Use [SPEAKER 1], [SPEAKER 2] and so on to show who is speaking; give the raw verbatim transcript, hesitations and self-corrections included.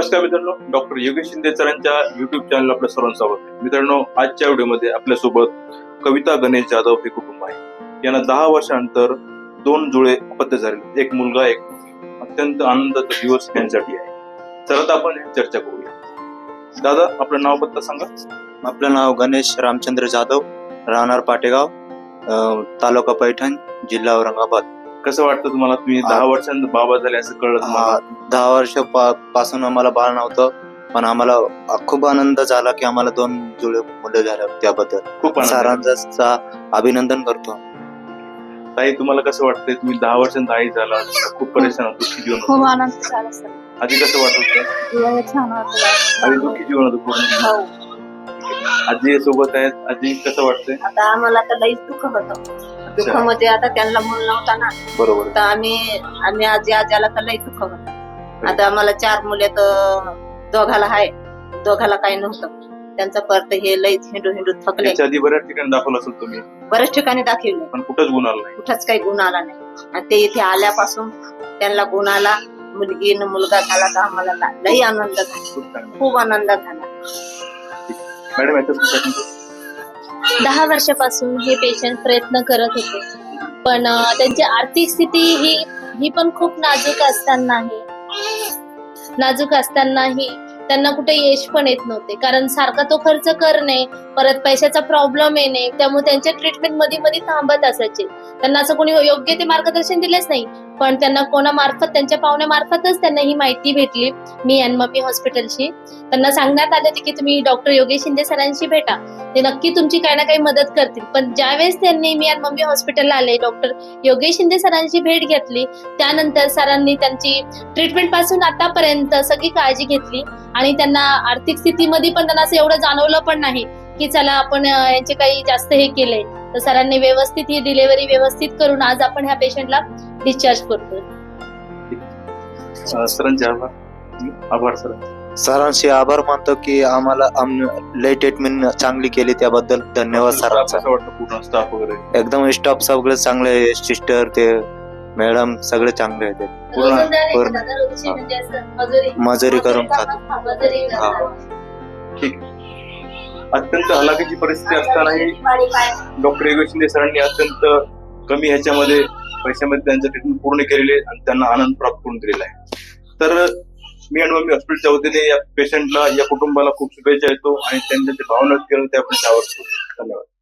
[SPEAKER 1] नमस्कार मित्रांनो, डॉक्टर योगेश शिंदे सरांच्या युट्यूब चॅनल आपल्या सर्वांचं स्वागत आहे. मित्रांनो, आजच्या व्हिडिओमध्ये आपल्यासोबत कविता गणेश जाधव हे कुटुंब आहे. यांना दहा वर्षानंतर दोन जुळे अपत्य झाले, एक मुलगा एक. अत्यंत आनंदाचा दिवस त्यांच्यासाठी आहे. चला आपण चर्चा करूया. दादा, आपलं नाव पत्ता सांगा.
[SPEAKER 2] आपलं नाव गणेश रामचंद्र जाधव, राहणार पाटेगाव, तालुका पैठण, जिल्हा औरंगाबाद.
[SPEAKER 1] कसं वाटतं तुम्हाला? तुम्ही दहा वर्षांनंतर बाबा झाले असं कळलं तुम्हाला?
[SPEAKER 2] दहा वर्ष पासून आम्हाला बाळ नव्हतं, पण आम्हाला खूप आनंद झाला की आम्हाला दोन जुळे मुलं झाले. त्याबद्दल
[SPEAKER 1] खूप
[SPEAKER 2] सरांचा अभिनंदन करतो.
[SPEAKER 1] ताई, तुम्हाला कसं वाटतंय? तुम्ही दहा वर्षांत आई झाला, खूप परेशान होतो, दुःखी जीवन
[SPEAKER 3] खूप
[SPEAKER 1] होतं.
[SPEAKER 3] आनंद झाला सर.
[SPEAKER 1] आधी कसं वाटत होतं?
[SPEAKER 3] छान वाटलं.
[SPEAKER 1] आधी दुःखी जीवन होतं पूर्ण.
[SPEAKER 3] हो.
[SPEAKER 1] आजी सोबत आहेत. आजी कसं वाटतंय?
[SPEAKER 3] आता आम्हाला तर लईच दुःख होतं. दुःख म्हणजे आता त्यांना मूल नव्हता ना,
[SPEAKER 1] बरोबर.
[SPEAKER 3] तर आम्ही आम्ही आजी आज्याला तर लई दुःख होतं. आता आम्हाला चार मुले तर दोघाला आहे, दोघाला काही नव्हतं. त्यांचं परत हे लईच हिंडू हिंडू थकले.
[SPEAKER 1] त्याच्या आधी बऱ्याच ठिकाणी दाखवलं असेल तुम्ही,
[SPEAKER 3] बऱ्याच ठिकाणी दाखवले,
[SPEAKER 1] पण कुठंच गुण आला नाही.
[SPEAKER 3] कुठंच काही गुण आला नाही. आणि ते इथे आल्यापासून त्यांना गुण आला, मुलगी न मुलगा झाला, तर आम्हाला लई आनंद झाला,
[SPEAKER 1] खूप चांगलं.
[SPEAKER 3] खूप आनंद झाला.
[SPEAKER 1] मॅडम, याच्यात
[SPEAKER 4] दहा वर्षापासून हे पेशंट प्रयत्न करत होते, पण अं, त्यांची आर्थिक स्थिती ही ही पण खूप नाजूक असतानाही नाजूक असतानाही त्यांना कुठे यश पण येत नव्हते, कारण सारखा तो खर्च करणे, परत पैशाचा प्रॉब्लेम येणे, त्यामुळे त्यांच्या ट्रीटमेंट मध्ये मध्ये थांबत असायचे. त्यांना असं कोणी योग्य ते मार्गदर्शन दिलेच नाही, पण त्यांना कोणामार्फत, त्यांच्या पाहुण्यामार्फतच त्यांना ही माहिती भेटली, मी अँड मम्मी हॉस्पिटलची. त्यांना सांगण्यात आले की तुम्ही डॉक्टर योगेश शिंदे सरांशी भेटा, ते नक्की तुमची काही ना काही मदत करतील. पण ज्यावेळेस त्यांनी मी अँड मम्मी हॉस्पिटलला आले, डॉक्टर योगेश शिंदे सरांची भेट घेतली, त्यानंतर सरांनी त्यांची ट्रीटमेंट पासून आतापर्यंत सगळी काळजी घेतली. आणि त्यांना आर्थिक स्थितीमध्ये पण त्यांना असं एवढं जाणवलं पण नाही की चला आपण यांचे काही जास्त हे केलंय. तर सरांनी व्यवस्थित ही डिलिव्हरी व्यवस्थित करून आज आपण ह्या पेशंटला डिस्चार्ज करतो.
[SPEAKER 1] सरांचे आभार. आभार सर.
[SPEAKER 2] सरांशी आभार मानतो की आम्हाला लय ट्रीटमेंट चांगली केली, त्याबद्दल धन्यवाद सरांचा.
[SPEAKER 1] कसं वाटतं पूर्ण स्टाफ वगैरे?
[SPEAKER 2] एकदम स्टाफ सगळे चांगले आहे, सिस्टर ते मॅडम सगळे चांगले आहेत.
[SPEAKER 4] म्हणजे असं मजुरी
[SPEAKER 2] मजुरी करून खातो.
[SPEAKER 4] मजुरी
[SPEAKER 2] हा.
[SPEAKER 1] ठीक. अत्यंत हलाखीची परिस्थिती असतानाही डॉक्टर योगेश शिंदे सरांनी अत्यंत कमी ह्याच्यामध्ये पैशामध्ये त्यांचं ट्रीटमेंट पूर्ण केलेले आणि त्यांना आनंद प्राप्त करून दिलेला आहे. तर मी आणि मम्मी हॉस्पिटलच्या वतीने या पेशंटला, या कुटुंबाला खूप शुभेच्छा देतो आणि त्यांच्या जे भावना केलं ते आपण त्यावर धन्यवाद.